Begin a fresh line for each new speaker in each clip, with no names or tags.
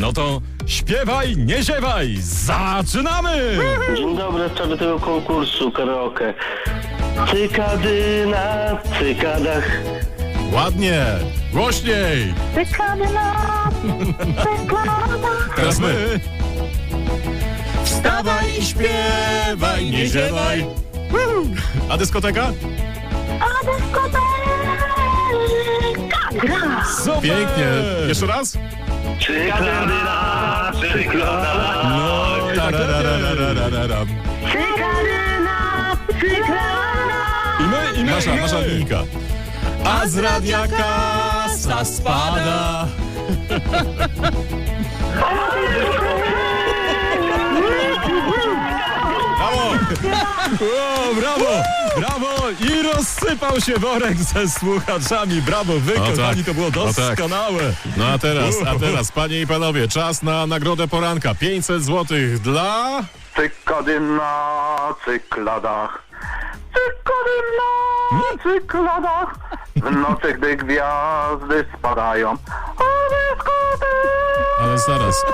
No to śpiewaj, nie ziewaj, zaczynamy!
Dzień dobry, w sprawie tego konkursu karaoke. Cykady na cykadach.
Ładnie, głośniej.
Cykady na cykadach.
Teraz my. Wstawaj i śpiewaj, nie ziewaj. A dyskoteka?
A dyskoteka gra.
Super!
Pięknie. Jeszcze raz?
Cykady na cykadach.
No i tak lepiej.
Tararararararam.
Cykady na cykadach.
I my.
Nasza linijka. A z radia kasa spada. Brawo!
O, brawo! I rozsypał się worek ze słuchaczami. Brawo, wy,
O,
kochani,
tak.
to było
O, tak.
doskonałe.
No a teraz, panie i panowie, czas na nagrodę poranka. 500 zł dla...
Cykady na cykladach. Cykady na cykladach. W nocy, gdy gwiazdy spadają. A dyskoteka.
Ale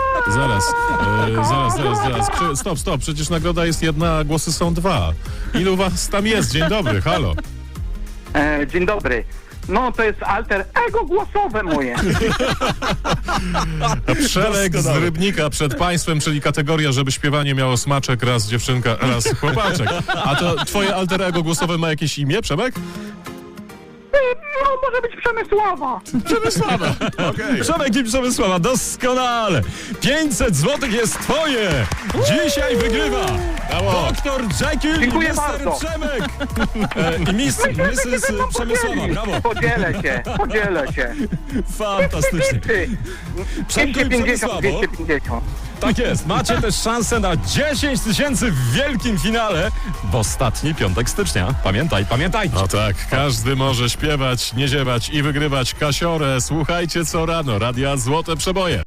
zaraz. Stop. Przecież nagroda jest jedna, a głosy są dwa. Ilu was tam jest? Dzień dobry, halo.
Dzień dobry. No to jest alter ego głosowe moje.
Przelek z
Doskonale.
Rybnika przed państwem, czyli kategoria, żeby śpiewanie miało smaczek, raz dziewczynka, raz chłopaczek. A to twoje alter ego głosowe ma jakieś imię, Przemek?
No może być Przemysława.
Przemysława. Okej.
Przemek i Przemysława, doskonale. 500 zł jest twoje. Dzisiaj wygrywa
Brawo.
Dr. Jekyll
Dziękuję
i Mr.
bardzo.
Przemek. I Mrs. Przemysława, brawo.
Podzielę się.
Fantastycznie. Przemku i
250,
Przemysławo.
250.
Tak jest, macie też szansę na 10 000 w wielkim finale w ostatni piątek stycznia. Pamiętajcie.
No tak, każdy może śpiewać, nie ziewać i wygrywać kasiorę. Słuchajcie co rano, Radia Złote Przeboje.